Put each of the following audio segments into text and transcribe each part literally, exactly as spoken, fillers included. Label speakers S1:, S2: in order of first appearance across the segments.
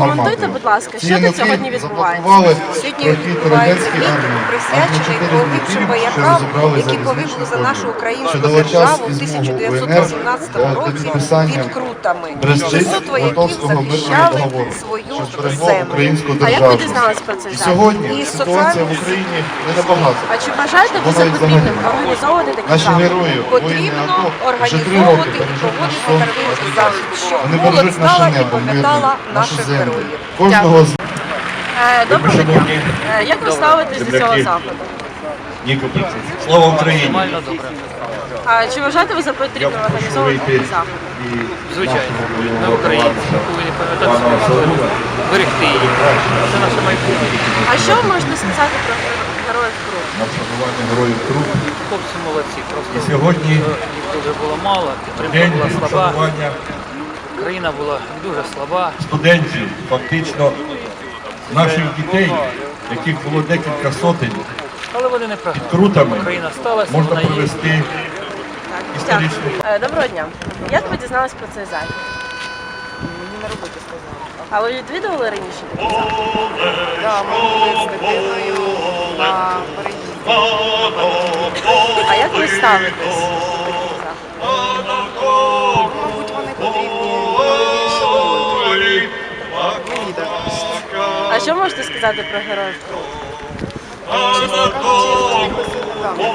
S1: Прокоментуйте, будь ласка, що тут сьогодні відбувається?
S2: Сьогодні відбувається мітинг, присвячений погибшим воякам, які погибли за нашу українську державу в тисяча дев'ятсот вісімнадцятому році під Крутами. шістсот вояків захищали свою землю.
S1: А як ви дізналися про цей захід?
S3: Сьогодні
S2: І
S3: ситуація в Україні не набагато.
S1: А чи вважаєте ви за потрібним організовувати такі
S3: Наші
S1: заходи?
S3: герої, воїни
S2: Потрібно
S3: АТО, вже три
S2: організовувати
S3: роки
S2: і
S3: бережуть
S2: проводити
S3: наш сон,
S2: такий
S3: наш
S2: захід,
S3: час.
S2: щоб
S3: Вони
S2: молодь
S3: бережуть наше
S2: знала і
S3: небо,
S2: пам'ятала
S3: мирне, нашу
S2: наших
S3: землю.
S2: героїв.
S3: Кожного з
S1: Е, Доброго дня. Е, Як ви ставитесь до цього заходу?
S4: Слава Україні!
S5: Нормально, добре.
S1: А чи вважаєте ви за потрібним організовувати такі заходи?
S5: Звичайно. Ми українці, ми повинні пам'ятати свою історію, берегти її. Це наше майбутнє.
S1: А що ви можете сказати про героїв Крут?
S4: Шанування героїв Крут.
S5: Хлопці молодці. Просто
S4: Сьогодні
S5: їх дуже було мало, підтримка
S4: день
S5: була слаба,
S4: вшанування
S5: країна була дуже слаба.
S4: студентів, фактично наших дітей, яких було декілька сотень,
S5: Але вони не програли.
S4: Крутами
S5: Україна сталася,
S4: можна
S5: вона є.
S4: провести
S1: Так,
S4: історичну.
S1: дякую. Е, Доброго дня. Як ви дізналися про цей захід?
S2: Мені на роботі сказали.
S1: А ви відвідували раніше такий захід?
S2: Так, ми були з дитиною на переїзді.
S1: А як ви ставитесь до таких заходів?
S2: Мабуть, вони потрібні більше молоді. Мені так кажеться.
S1: А що можете сказати про героїв Крут?
S2: Чесно кажучи, я за них освітила.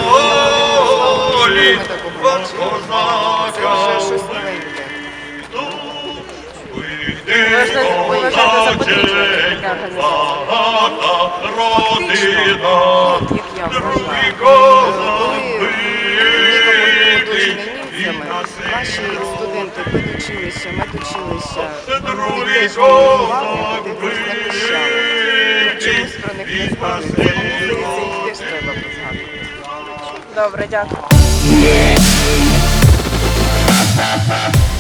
S2: Ми таку побачили. Це вже щось новеньке.
S1: Ви вважаєте ви вважаєте за потрібне таке організацію?
S2: Фактично, от як я вважаю, коли нікому було дуже німцями, наші студенти педучилища, медучилища, вони теж воювали, вони теж захищали. Чомусь про них не згадується. Мені здається, їх теж треба згадувати.
S1: Добре, дякую.